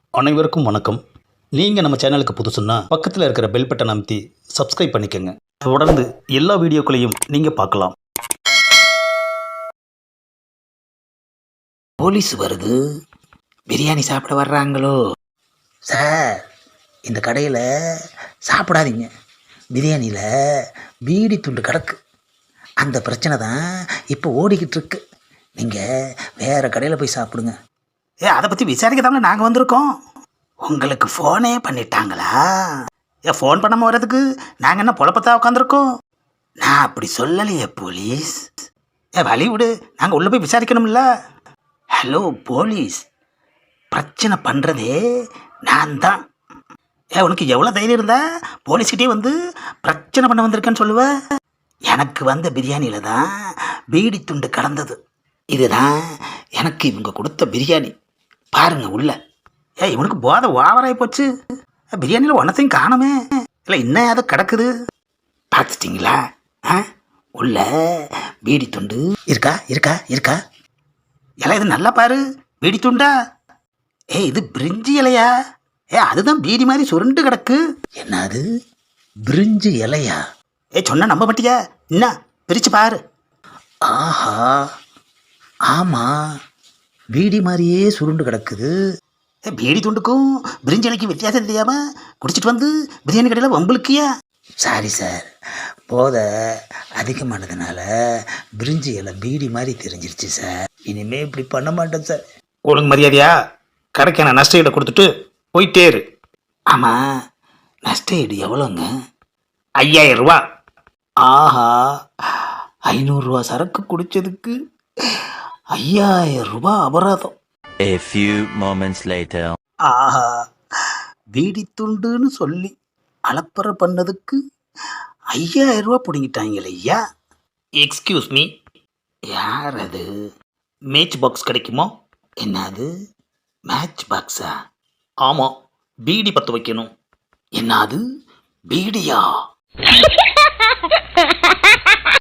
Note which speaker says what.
Speaker 1: அனைவருக்கும் வணக்கம். நீங்கள் நம்ம சேனலுக்கு புதுசுன்னா பக்கத்தில் இருக்கிற பெல் பட்டன் அமைத்தி சப்ஸ்கிரைப் பண்ணிக்கோங்க. தொடர்ந்து எல்லா வீடியோக்களையும் நீங்கள் பார்க்கலாம்.
Speaker 2: போலீஸ் வருது, பிரியாணி சாப்பிட வர்றாங்களோ? சார், இந்த கடையில் சாப்பிடாதீங்க. பிரியாணியில் பீடி துண்டு கிடக்கு. அந்த பிரச்சனை தான் இப்போ ஓடிக்கிட்டு இருக்கு. நீங்கள் வேறு கடையில் போய் சாப்பிடுங்க. அதை பற்றி விசாரிக்க தாங்க நாங்கள் வந்திருக்கோம். உங்களுக்கு ஃபோனே பண்ணிட்டாங்களா? ஃபோன் பண்ணாமல் வர்றதுக்கு நாங்கள் என்ன பொழப்பத்தான் உட்காந்துருக்கோம்? நான் அப்படி சொல்லலையே போலீஸ். வழி விடு, நாங்கள் உள்ளே போய் விசாரிக்கணும்ல. ஹலோ போலீஸ், பிரச்சனை பண்ணுறதே நான் தான். உனக்கு எவ்வளோ தைரியம் இருந்தா போலீஸ்கிட்டே வந்து பிரச்சனை பண்ண வந்திருக்கேன்னு சொல்லுவேன். எனக்கு வந்த பிரியாணியில் தான் பீடி துண்டு கலந்தது. இதுதான் எனக்கு இவங்க கொடுத்த பிரியாணி. பாருங்க உள்ள. இவனுக்கு போதை ஓவராகி போச்சு. பிரியாணியில் ஒன்றத்தையும் காணுமே. இல்லை இன்னும் அதை கிடக்குது. பார்த்துட்டிங்களா? உள்ள பீடி துண்டு இருக்கா இருக்கா இருக்கா? இலை இது நல்லா பாரு. பீடி துண்டா? இது பிரிஞ்சி இலையா? அதுதான் பீடி மாதிரி சுருண்டு கிடக்கு. என்னது பிரிஞ்சி இலையா? சொன்ன நம்ப மாட்டியா? என்ன பிரிச்சு பாரு. ஆஹா, ஆமாம், பீடி மாதிரியே சுருண்டு கிடக்குது. பீடி துண்டுக்கும் பிரிஞ்சி இலைக்கும் வித்தியாசம் தெரியாம குடிச்சிட்டு வந்து பிரியாணி கடையில் வம்புலுக்கியா? சாரி சார், போதை அதிகமானதுனால பிரிஞ்சி இலை பீடி மாதிரி தெரிஞ்சிருச்சு சார். இனிமேல் இப்படி பண்ண மாட்டேன் சார்.
Speaker 1: ஒழுங்கு மரியாதையா கடைக்கான நஷ்ட ஈடை கொடுத்துட்டு போயிட்டே இரு.
Speaker 2: ஆமாம், நஷ்ட ஈடு எவ்வளோங்க?
Speaker 1: 5000 ரூபா.
Speaker 2: ஆஹா, 500 ரூபா சரக்கு குடிச்சதுக்கு 5000 ரூபாய் அபராதம்.
Speaker 3: A few moments later.
Speaker 2: ஆஹா, பீடி துண்டுன்னு சொல்லி அலப்பறை பண்ணதுக்கு 5000 ரூபா பிடிங்கிட்டாங்களே ஐயா.
Speaker 1: எக்ஸ்கியூஸ் மீ,
Speaker 2: யார் அது?
Speaker 1: மேட்ச் பாக்ஸ் கிடைக்குமா?
Speaker 2: என்னது மேட்ச் பாக்ஸா?
Speaker 1: ஆமாம், பீடி பற்ற வைக்கணும்.
Speaker 2: என்னது பீடியா?